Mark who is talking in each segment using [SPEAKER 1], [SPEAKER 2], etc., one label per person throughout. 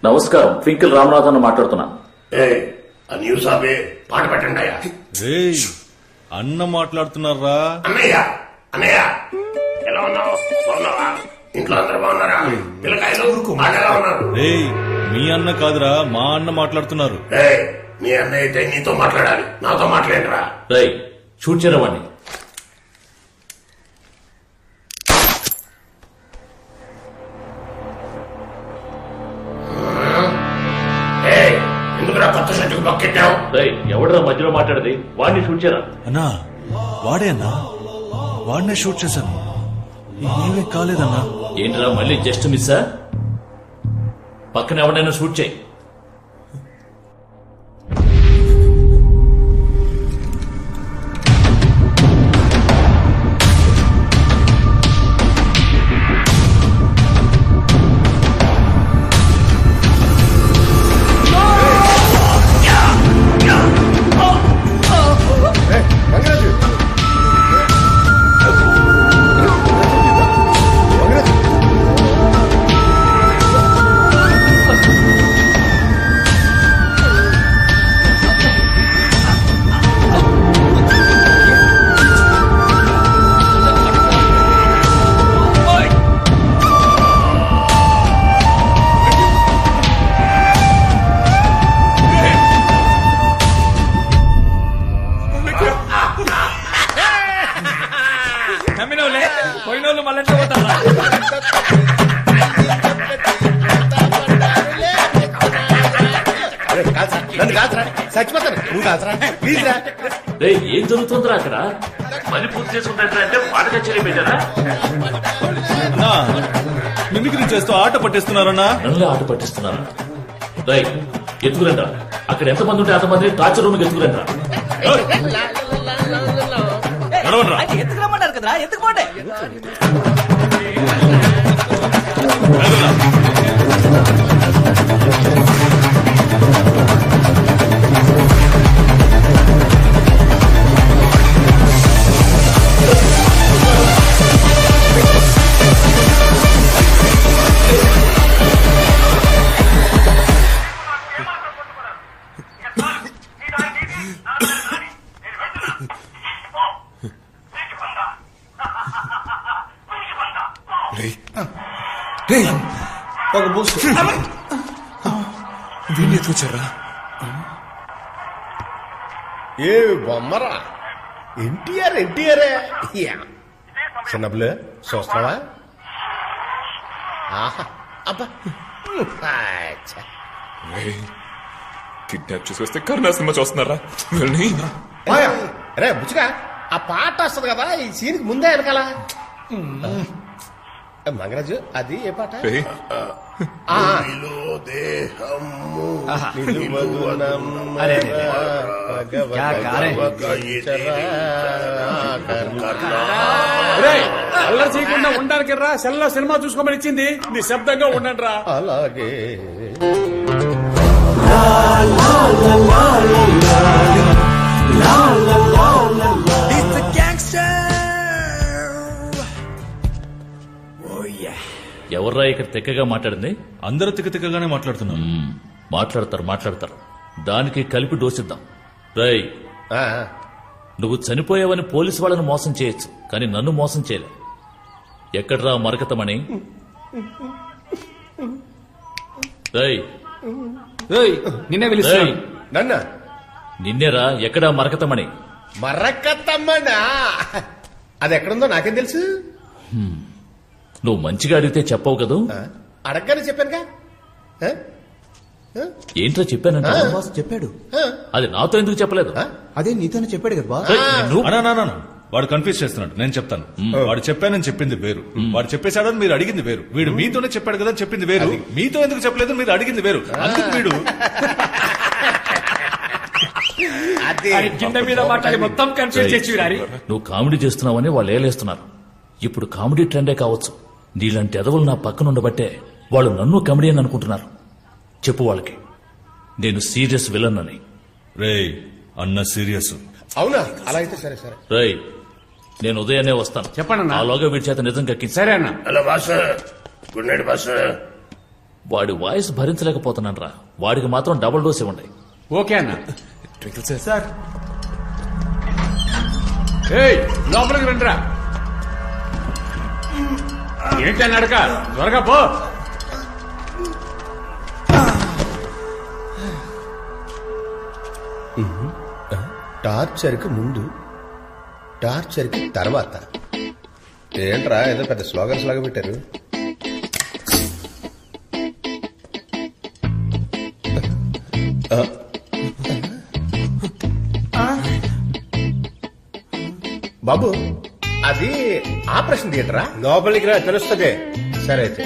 [SPEAKER 1] నమస్కారం, ట్వింకిల్ రామనాథన్ మాట్లాడుతున్నా.
[SPEAKER 2] న్యూస్ ఆపే పాట పెట్టండి.
[SPEAKER 3] అన్న మాట్లాడుతున్నారా?
[SPEAKER 2] అన్నయ్య అన్నయ్య ఎలా ఉన్నావు? బాగున్నావా? ఇంట్లో అందరూ బాగున్నారా? పిల్లకాయలు ఎలా ఉన్నారు?
[SPEAKER 3] మీ అన్న కాదురా, మా అన్న మాట్లాడుతున్నారు.
[SPEAKER 2] నీ అన్నయ్య అయితే నీతో మాట్లాడాలి, నాతో మాట్లాడరా.
[SPEAKER 1] షూట్ చేయరవాణ్ణి.
[SPEAKER 2] ఎందుకురా కొత్త షర్టుకు బొక్కెట్టావు?
[SPEAKER 1] ఎవడరా మధ్యలో మాట్లాడేది? వాడిని షూట్ చేయరా?
[SPEAKER 3] అన్నా వాడే అన్నా, వాడినే షూట్ చేశాను. ఏమీ కాలేదన్నా.
[SPEAKER 1] ఏంట్రా మళ్ళీ జస్ట్ మిస్సా? పక్కన ఎవడైనా షూట్ చేయి.
[SPEAKER 4] పోయినోళ్ళు మళ్ళీ పోతారా?
[SPEAKER 1] ఏం జరుగుతుందిరా అక్కడ? పని పూర్తి చేసుకుంటారంటే పాట కచేరీ పెట్టారా?
[SPEAKER 3] మిమిక్రీ చేస్తూ ఆట పట్టిస్తున్నారన్నా.
[SPEAKER 1] నన్ను ఆట పట్టిస్తున్నారా? ఎత్తుకురండ్రా. అక్కడ ఎంతమంది ఉంటే అంతమంది టార్చర్ రూమ్ ఎత్తుకురండ్రా.
[SPEAKER 4] ఎందుకు రమ్మన్నారు కదరా? ఎందుకు పోండి.
[SPEAKER 5] ఒక బూస్ట్ వీళ్ళు ఎత్తుకొచ్చారా?
[SPEAKER 2] ఏ బొమ్మరా, ఎన్టీఆర్ ఎన్టీఆర్ చిన్నప్పుడు చూస్తున్నావా? ఆహా అబ్బా,
[SPEAKER 5] కిడ్నాప్ చేసి వస్తే కరుణా సినిమా చూస్తున్నారా?
[SPEAKER 2] రే బుచ్చిగా, ఆ పాట వస్తుంది కదా ఈ సీన్కి ముందే వెనకాల. మంగరాజు అది ఏ పాట?
[SPEAKER 4] అల్లరి చేయకుండా ఉండడానికి రా. సెల్లో సినిమా చూసుకోమని ఇచ్చింది, నిశ్శబ్దంగా ఉండండి రా.
[SPEAKER 2] అలాగే
[SPEAKER 1] ఎవర్రా ఇక్కడ తెక్కగా మాట్లాడింది?
[SPEAKER 3] అందరూ తిక్కగానే మాట్లాడుతున్నాం.
[SPEAKER 1] మాట్లాడతారు. దానికి కలిపి డోసిద్దాం. నువ్వు చనిపోయావని పోలీసు వాళ్ళని మోసం చేయొచ్చు, కానీ నన్ను మోసం చేయలే. ఎక్కడ్రా మరకతమణి?
[SPEAKER 4] నిన్నే పిలుస్తాను.
[SPEAKER 2] నన్న
[SPEAKER 1] నిన్నేరా. ఎక్కడా మరకతమణి?
[SPEAKER 2] మరకతమ్మనా? అది ఎక్కడుందో నాకేం తెలుసు.
[SPEAKER 1] నువ్వు మంచిగా అడిగితే చెప్పవు కదూ.
[SPEAKER 2] అడగగానే చెప్పానుగా.
[SPEAKER 1] ఏంట్రా చెప్పానంట?
[SPEAKER 6] చెప్పాడు.
[SPEAKER 1] అది నాతో ఎందుకు చెప్పలేదు?
[SPEAKER 6] అదే నీతోనే చెప్పాడు కదా బాస్.
[SPEAKER 3] వాడు కన్ఫ్యూజ్ చేస్తున్నాడు. నేను చెప్తాను. వాడు చెప్పానని చెప్పింది వేరు, వాడు చెప్పేశాడని మీరు అడిగింది వేరు. వీడు మీతోనే చెప్పాడు కదా చెప్పింది వేరు. మీతో ఎందుకు చెప్పలేదు మీరు అడిగింది వేరు. అందుకు వీడు
[SPEAKER 4] కింద మీద మాట్లాడి మొత్తం కన్ఫ్యూజ్ చేసి.
[SPEAKER 1] నువ్వు కామెడీ చేస్తున్నావని వాళ్ళు ఏలేస్తున్నారు. ఇప్పుడు కామెడీ ట్రెండే కావచ్చు. నీలాంటి ఎదవలు నా పక్కన ఉండబట్టే వాళ్ళు నన్ను కామెడీ అని అనుకుంటున్నారు. చెప్పు వాళ్ళకి నేను సీరియస్ విలన్ అని.
[SPEAKER 3] అన్న సీరియస్.
[SPEAKER 2] అవునా? అలా అయితే సరే సరే.
[SPEAKER 1] నేను ఉదయాన్నే వస్తాను.
[SPEAKER 4] చెప్పండి.
[SPEAKER 1] ఆలోగా వీడి చేత నిజం కక్కి.
[SPEAKER 4] సరే అన్న.
[SPEAKER 2] Hello boss, good night boss.
[SPEAKER 1] వాడి వాయిస్ భరించలేకపోతున్నాను రా. వాడికి మాత్రం డబుల్ డోస్ ఇవ్వండి.
[SPEAKER 4] ఓకే అన్న.
[SPEAKER 5] ట్వింకిల్ సార్
[SPEAKER 6] సార్
[SPEAKER 4] ఏయ్ లోపలికి రండిరా. ఏంటి అని అడక త్వరగా పో.
[SPEAKER 2] టార్చర్కి ముందు, టార్చర్కి తర్వాత. ఏంట్రా ఏదో పెద్ద స్లోగన్స్ లాగా పెట్టారు. బాబు అది ఆపరేషన్ థియేటరా?
[SPEAKER 7] లోపలికి రా తెలుస్తుంది.
[SPEAKER 2] సరే అయితే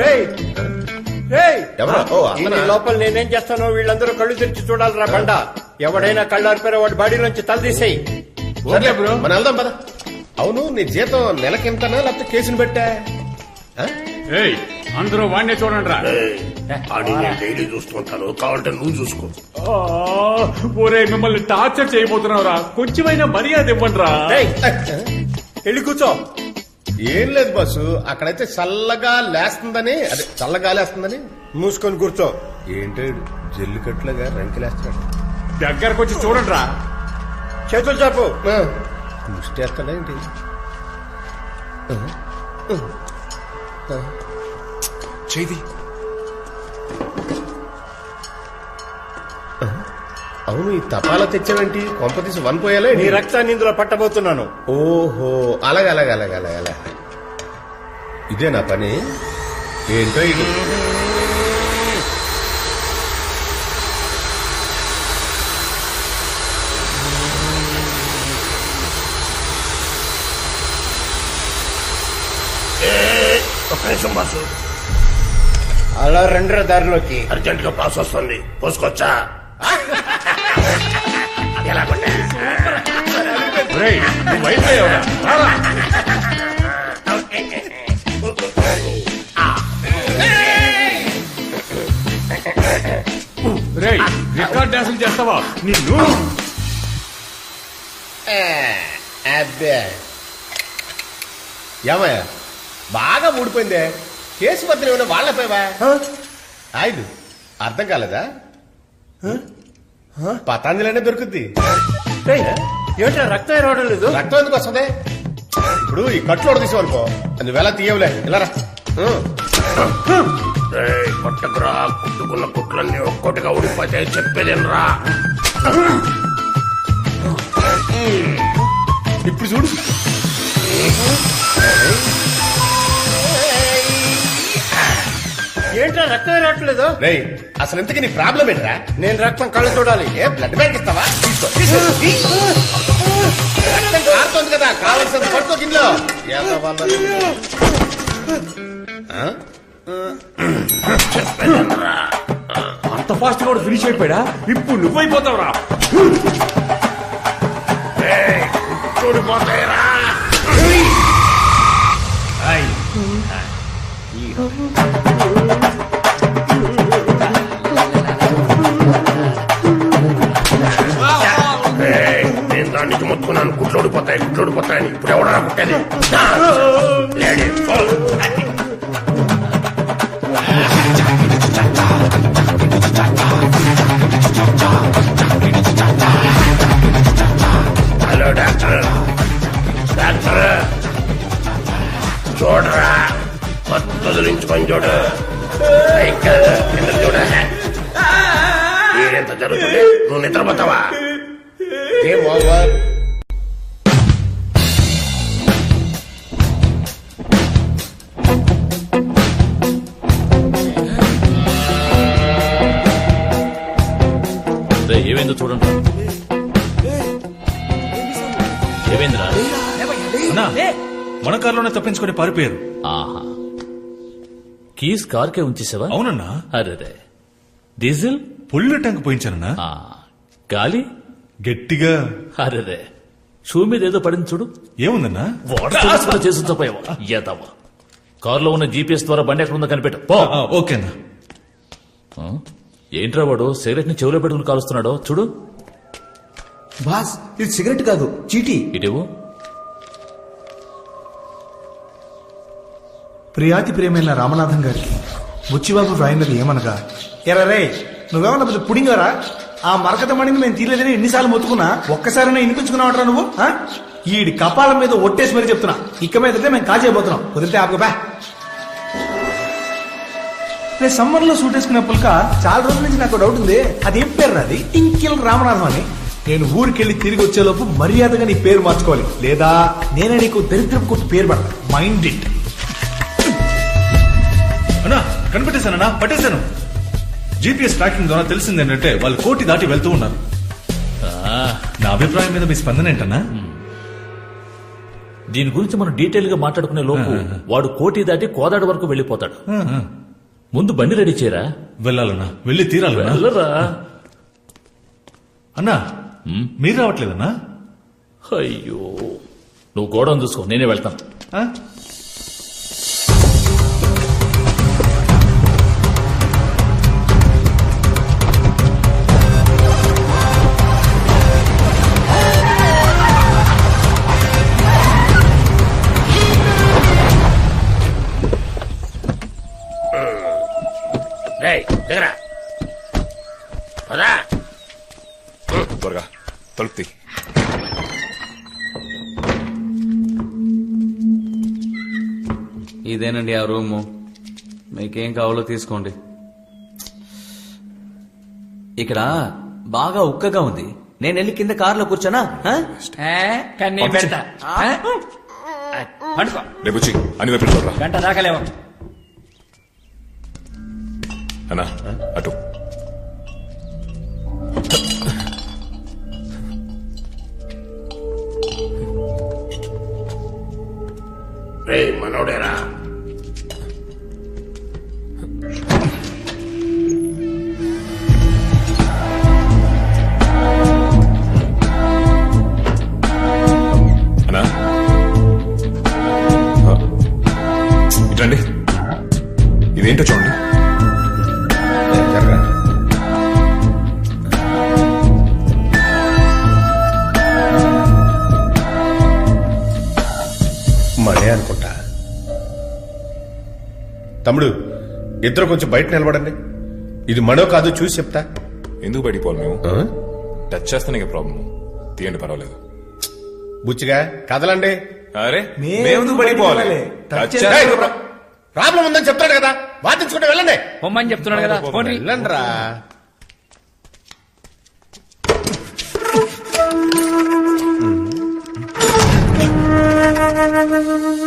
[SPEAKER 2] ఎవరా? ఓ, అతనా?
[SPEAKER 7] లోపల నేనేం చేస్తానో వీళ్ళందరూ కళ్ళు తెరిచి చూడాలిరా బండ. ఎవడైనా కళ్ళు ఆరిపోయారో వాడి బాడీ నుంచి తల తీసేయి.
[SPEAKER 4] Okay bro.
[SPEAKER 2] మనం వెళ్దాం పద. అవును నీ జీతం నెలకింతనా లేకపోతే కేసుని పెట్టా?
[SPEAKER 4] ఏయ్ అందరూ వాడినే చూడండి రా.
[SPEAKER 2] డైలీ చూస్తుంటాను, కావాలంటే నువ్వు చూసుకో.
[SPEAKER 4] ఒరే మిమ్మల్ని టార్చర్ చేయబోతున్నావురా, కొంచెమైనా మర్యాద ఇవ్వండి రా.
[SPEAKER 7] ఏయ్, వెళ్ళి కూర్చో.
[SPEAKER 2] ఏం లేదు బస్సు, అక్కడైతే చల్లగా లేస్తుందని, అదే చల్లగా లేస్తుందని.
[SPEAKER 7] మూసుకొని కూర్చో.
[SPEAKER 2] ఏంటాడు జల్లికట్లుగా రంకిలేస్తాడు.
[SPEAKER 4] దగ్గరకు వచ్చి చూడండి రా.
[SPEAKER 7] చేతులు చాపు.
[SPEAKER 2] ముష్టేస్తాడా ఏంటి?
[SPEAKER 5] చేది
[SPEAKER 2] అవును ఈ తపాలా తెచ్చావేంటి? కొంప తీసి వన్ పోయాలే.
[SPEAKER 7] నీ రక్తాన్ని ఇందులో పట్టబోతున్నాను.
[SPEAKER 2] ఓహో అలాగే అలాగే అలాగే అలాగే అలా. ఇదే నా పని. ఏంటో ఇది.
[SPEAKER 8] ఒక్క నిమిషం బాసు,
[SPEAKER 7] అలా రెండర దారిలోకి.
[SPEAKER 8] అర్జెంట్ గా పాస్ వస్తుంది, పోసుకొచ్చా? ఎలా కొట్టా?
[SPEAKER 4] ఒరేయ్, నువ్వు అయిపోయావురా. రారా. ఒరేయ్, రికార్డ్ డాన్సులు చేస్తావా? నిన్ను
[SPEAKER 2] అబ్బే ఏమయ్యా బాగా ఊడిపోయిందే. కేసు పత్రం ఏమైనా వాళ్ళపోయావా? ఆయిల్ అర్థం కాలేదా? పతాంజలినే దొరుకుద్ది.
[SPEAKER 7] ఏమిటా రక్తం రావడం లేదు?
[SPEAKER 2] రక్తం ఎందుకు వస్తుంది? ఇప్పుడు ఈ కట్లు తీసేవనుకో, నువ్వెలా తీయవులే. ఇలా రా.
[SPEAKER 8] కొట్టకురా, కుట్టుకున్న కుట్లన్నీ ఒక్కొక్కటిగా ఊడిపోతే చెప్పేదేనరా.
[SPEAKER 2] ఇప్పుడు చూడు.
[SPEAKER 7] ఏంట్రా రక్తం రావట్లేదు?
[SPEAKER 2] రేయ్ అసలు ఇంతకీ నీ ప్రాబ్లం ఏంట్రా?
[SPEAKER 7] నేను రక్తం కళ్ళు చూడాలి.
[SPEAKER 2] ఏ బ్లడ్ బ్యాంక్ ఇస్తావా? తీసుకో, తీసుకో. రక్తం కారుతోంది కదా, కావాల్సిన పట్టుకో గిన్నెలో.
[SPEAKER 4] అంత ఫాస్ట్ గా ఫినిష్ అయిపోయాడా? ఇప్పుడు నువ్వైపోతావురా.
[SPEAKER 8] చూడిపోతాయిరా. నేను దాని నుంచి మొత్తుకున్నాను, కుట్లు ఓడిపోతాయి, కుట్లు ఓడిపోతాయని. ఇప్పుడు ఎవడరా కుట్టేది? Hello doctor. డాక్టర్ చూడరా, వదిలించుకొని చూడు. కింద చూడ. ఏంత జరుగుతుంది? నువ్వు నిద్రపోతావా?
[SPEAKER 2] ఏం ఓవర్.
[SPEAKER 1] ఏమైందో చూడండి. ఏమైందిరా?
[SPEAKER 3] అన్నా, మన కారులోనే తప్పించుకొని పారిపోయారు.
[SPEAKER 1] ఆహా, కీస్ కార్కే ఉంచేసావా?
[SPEAKER 3] అవునన్నా.
[SPEAKER 1] అరే డీజిల్
[SPEAKER 3] ఫుల్ ట్యాంక్ పోయించానన్నా.
[SPEAKER 1] ఆ, గాలి
[SPEAKER 3] గట్టిగా.
[SPEAKER 1] అరే షూ మీద ఏదో పడింది చూడు.
[SPEAKER 3] ఏముందన్నా?
[SPEAKER 1] వాటర్ చేసి పోయావా? ఏదావా, కారులో ఉన్న జీపీఎస్ ద్వారా బండి ఎక్కడ ఉందో కనిపెట్టు. పో.
[SPEAKER 3] ఓకేనా.
[SPEAKER 1] ఏంట్రా వాడు సిగరెట్ ని చెవులో పెట్టుకుని కాలుస్తున్నాడో చూడు.
[SPEAKER 6] బాస్ ఇది సిగరెట్ కాదు, చీటీ.
[SPEAKER 1] ఇటేవు.
[SPEAKER 6] ప్రియాతి ప్రియమైన రామనాథం గారికి బుచ్చిబాబు డ్రాయింగ్ ఏమనగా ఎరా రే నువ్వేమన్నా పెద్ద పుడింగరా ఆ మరకత మణిని మేము తీయలేదని ఎన్నిసార్లు మొత్తుకున్నా ఒక్కసారైనా వినిపించుకున్నావట్రా నువ్వు ఆ? ఈడి కపాలం మీద ఒట్టేసి మరీ చెప్తున్నా ఇక మీద మేము కాజేయబోతున్నాం వదిలితే ఆపుగా రే సమ్మర్ లో సూట్ వేసుకునే పుల్క చాలా రోజుల నుంచి నాకు డౌట్ ఉంది అది ఏం పేరు అది టింకిల్ రామనాథం అని నేను ఊరికెళ్ళి తిరిగి వచ్చేలోపు మర్యాదగా నీ పేరు మార్చుకోవాలి లేదా నేనే నీకు దరిద్రపు కొట్టు పేరు పడతా మైండ్ ఇట్.
[SPEAKER 3] అన్నా కనిపెట్టేశానన్నా, పట్టేశాను. జీపీఎస్ ట్రాకింగ్ ద్వారా తెలిసింది ఏంటంటే వాళ్ళు కోటి దాటి వెళ్తూ ఉన్నారు. నా అభిప్రాయం మీద మీ స్పందన ఏంటన్నా?
[SPEAKER 1] దీని గురించి మనం డీటెయిల్ గా మాట్లాడుకునే లోపు వాడు కోటి దాటి కోదాడ వరకు వెళ్ళిపోతాడు. ముందు బండి రెడీ చేయరా.
[SPEAKER 3] వెళ్ళాలన్నా, వెళ్ళి తీరాలన్నా.
[SPEAKER 1] వెళ్ళరా.
[SPEAKER 3] అన్నా మీరు రావట్లేదన్నా?
[SPEAKER 1] అయ్యో నువ్వు గోడౌన్ చూసుకో, నేనే వెళ్తాను.
[SPEAKER 2] దగ్గర పదా
[SPEAKER 5] త్వరగా తలుపు తీ.
[SPEAKER 9] ఇదేనండి ఆ రూము, మీకేం కావాలో తీసుకోండి. ఇక్కడ బాగా ఉక్కగా ఉంది, నేను వెళ్ళి కింద కారులో కూర్చోనా?
[SPEAKER 7] కన్నీ పెడతా పడుకో
[SPEAKER 5] రేపు వచ్చి అన్ని వైపు చూడరా.
[SPEAKER 7] గంట దాకలేవు.
[SPEAKER 5] అన్నా అటు
[SPEAKER 2] రే మనోడేరా
[SPEAKER 5] అన్నా ఇటండి, ఇదేంటో చూడండి.
[SPEAKER 8] మనే అనుకుంటా. తమ్ముడు ఇద్దరు కొంచెం బయట నిలబడండి. ఇది మనో కాదు చూసి చెప్తా.
[SPEAKER 5] ఎందుకు బయటికి పోవాలి మేము? టచ్ చేస్తానే ప్రాబ్లం. తీయండి, పర్వాలేదు.
[SPEAKER 8] బుచ్చిగా కదలండి.
[SPEAKER 5] అరే
[SPEAKER 6] మేము బయటికి పోవాలి.
[SPEAKER 5] టచ్ చేస్తే
[SPEAKER 8] ప్రాబ్లం ఉందని చెప్తాడు కదా, వాదించుకుంటే వెళ్ళండి.
[SPEAKER 7] పొమ్మని చెప్తున్నాడు కదా, పోండి.
[SPEAKER 8] వెళ్ళండి రా.